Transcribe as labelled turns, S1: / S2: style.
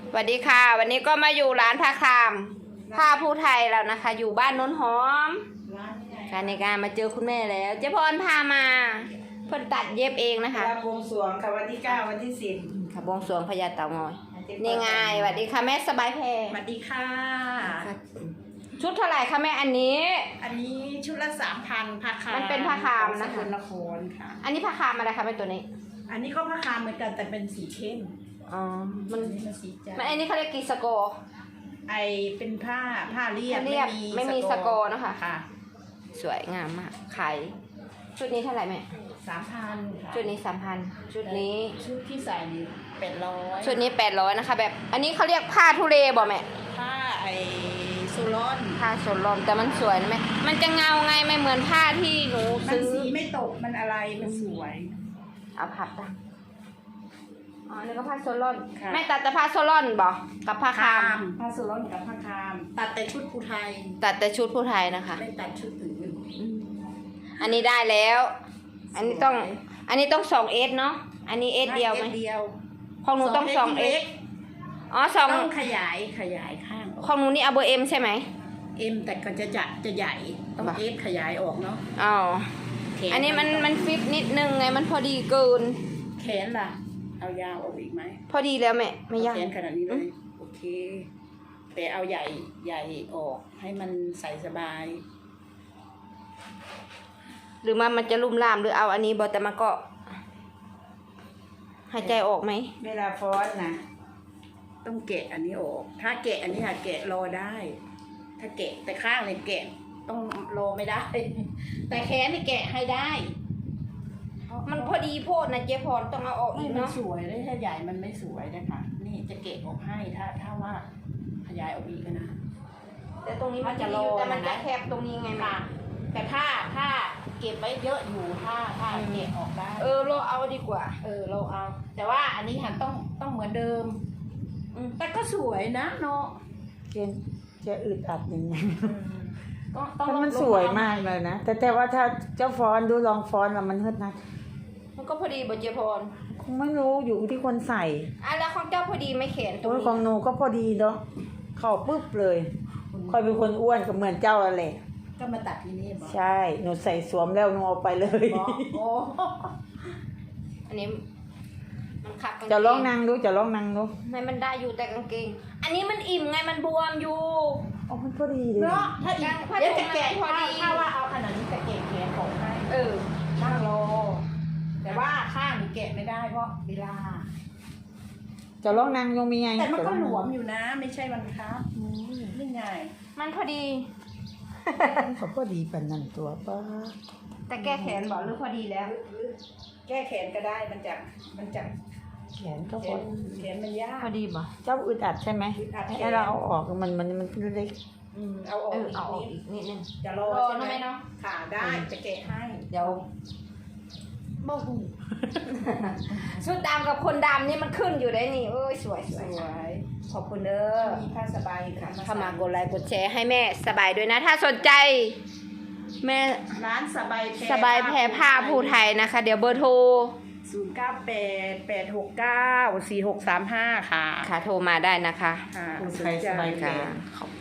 S1: สวัสดีค่ะวันนี้ก็มาอยู่ร้านผ้าคามผ้าผู้ไทยแล้วนะคะ อยู่บ้านโน้นหอมการในการมาเจอคุณแม่แล้วเจ๊พรพามาเพิ่นตัดเย็บเองนะคะ
S2: บวงสรวงค่ะวันที่9วันที่10
S1: ค่ะบวงสรวงพญาเต่างอยนี่ไงสวัสดีค่ะแม่สบายแพร
S2: สวัสดีค่ะ
S1: ชุดเท่าไหร่คะแม่อันนี้
S2: อันนี้ชุดละ 3,000ผ้าคาม
S1: มันเป็นผ้าคามนะคะ
S2: สกลนครค่ะ
S1: อันนี้ผ้าคามอะไรคะแม่ตัวนี้
S2: อันนี้ก็ผ้าคามเหมือนกันแต่เป็นสีเข้ม
S1: อ๋อมัน
S2: มันสีจ้า
S1: อันนี้เขาเรียกกีสโก
S2: ไอเป็นผ้าเรียบ
S1: ไม่มีสโกนะคะ
S2: ค่ะ
S1: สวยงามมากขายชุดนี้เท่าไหร่แม่
S2: 3,000ค่ะ
S1: ชุดนี้3,000ชุดนี้
S2: ชุดที่ใส่นี่800
S1: ชุดนี้800นะคะแบบอันนี้เขาเรียกผ้าทุเรบ่แม่
S2: ผ้าไอซูรอน
S1: ผ้าสนลมแต่มันสวยนะแม่มันจะเงาไงไม่เหมือนผ้าที่หนู
S2: มัน
S1: ซื้อ
S2: สีไม่ตกมันอะไรมันสวย
S1: เอาผัดตั้งอ๋อนี่ก็ผ้าโซลอน
S2: ค่ะ
S1: แม่ตัดแต่ผ้าโซลอนบ่กับผ้าคาม
S2: ผ้าซูรอนกับผ้าคามตัดแต่ชุดภูไทย
S1: ตัดแต่ชุดผู้ไทยนะคะ
S2: ไม่ตัดชุดอื่น
S1: อันนี้ได้แล้ว อันนี้ต้อง2Sเนาะอันนี้ S เดียวไหม
S2: เดียว
S1: ของหนูต้อง 2S อ๋อ
S2: ต้องขยายข้าง
S1: ของหนูนี่เอาเบอร์ M ใช่ไหม
S2: เอ็มแต่ก็จะใหญ่ต้อง
S1: บ่ะ
S2: เอฟขยายออกเนาะ
S1: อ๋อ
S2: แข
S1: อันนี้มันฟิตนิดนึงไงมันพอดีเกิน
S2: แขนล่ะ เอายาวออกอีกไหม
S1: พอดีแล้วแม่ไม่ยาก
S2: แขนขนาดนี้เลยโอเค แต่เอาใหญ่ออกให้มันใส่สบาย
S1: หรือมันจะลุ่มล่ามหรือเอาอันนี้บอแต่มันก็หายใจออกไหม
S2: เวลาฟ้อนนะต้องแกะอันนี้ออก ถ้าแกะอันนี้แกะรอได้ ถ้าแกะแต่ข้างเลยแกะต้องรอไม่ได้ แต่แขนนี่แกะให้ได้
S1: มันพอดีโพดนะเจ๊พรต้องเอาออก
S2: ไม่
S1: อีก
S2: มัน
S1: เนาะ
S2: สวยเลยถ้าใหญ่มันไม่สวยนะคะ นี่จะเกะออกให้ถ้าว่าขยายออกอีกนะ
S1: แต่ตรงนี้มันจะ
S2: มันจะ
S1: โล
S2: โล
S1: แต่มัน
S2: นะ
S1: จะแคบตรงนี้ไงแม่
S2: ค่ะแต่ถ้าเก็บไว้เยอะอยู่ถ้าเกะออกได้
S1: โลเอาดีกว่า
S2: เราเอา แต่ว่าอันนี้หันต้องเหมือนเดิม แต่ก็สวยนะเนาะ
S3: จะอึดอัดอย่างเงี้ย
S2: ต้อง
S3: เพราะมันสวยมากเลยนะแต่ว่าถ้าเจ้าฟ้อนดูลองฟ้อนแล้วมันเฮิดนะ
S1: มันก็พอดีบอเจ๊พร
S3: คงไม่รู้อยู่ที่คนใส่
S1: แล้วของเจ้าพอดีไม่แขนตรง
S3: ตัว
S1: นี้
S3: ของหนูก็พอดีเนาะเข้าปุ๊บเลยคอยเป็นคนอ้วนก็เหมือนเจ้าอะไร
S2: ก็มาตัดที่นี่บอก
S3: ใช่หนูใส่สวมแล้วหนูเอาไปเลย
S2: บอกโอ้
S1: อันนี้มันขับกางเก
S3: จะลองนั่งดูจะลองนั่งดู
S1: ไม่มันได้อยู่แต่กางเกง อันนี้มันอิ่มไงมันบวมอยู่
S3: อ๋อมันพอดีเลย
S2: เนาะถ้าอีก
S1: ผ้า
S2: เดี๋ยวจะ
S1: ถุง
S2: แกะ
S1: พอดี
S2: ถ้าว่าเอาขนาดนี้จะแกะแขนของให้ นั่งรอแต่ว่าข้างนี่แกะไม่ได้เพราะเวลา
S3: จะลองนั่งยังมีไง
S2: แต่มันก็
S3: จะลอง
S2: หล
S3: นั่ง
S2: วมอยู่นะ ไม่ใช่มันครับนี่ไง
S1: มันพอดี
S3: เขาพอดีปานนั่นตัวป้า
S1: แต่แก้แขนบอกหรือพอดีแล้ว
S2: แก้แขนก็ได้มันจะ
S3: แขนก็
S2: แข
S3: พอน
S2: มันยาก
S1: พอดีบ่
S3: เจ้าอึดอัดใช่ไหม
S2: อึดอัดแขน
S3: ให้เราเอาออกมันเล็ก
S2: เอาออกอีก
S1: เอาออก
S2: นิ
S1: อี
S2: ด
S1: กนิดนึง
S2: จะรอ
S1: รอ
S2: ใช่ไหม
S1: ทำไมเนาะ
S2: ค่ะได้จะแกะให้
S1: เดี๋ยวบ่หูชุดดำกับคนดำนี่มันขึ้นอยู่ได้นี่เอ้ยสวยส
S2: ส
S1: วย
S2: วย
S1: ขอบคุณเด้อ
S2: มีผ้าสบายค่ะ
S1: เข้ามากดไลค์กดแชร์ให้แม่สบายด้วยนะ ถ้าสนใจ แม่
S2: ร้านสบายแพร
S1: สบายแพรผ้าภูไทยนะคะ เดี๋ยวเบอร์โทร
S2: 0988694635ค่ะ
S1: ค่ะโทรมาได้นะคะ
S2: ค่ะ
S3: ๆผู้ไทยสบายแข
S1: ค่ะ
S3: น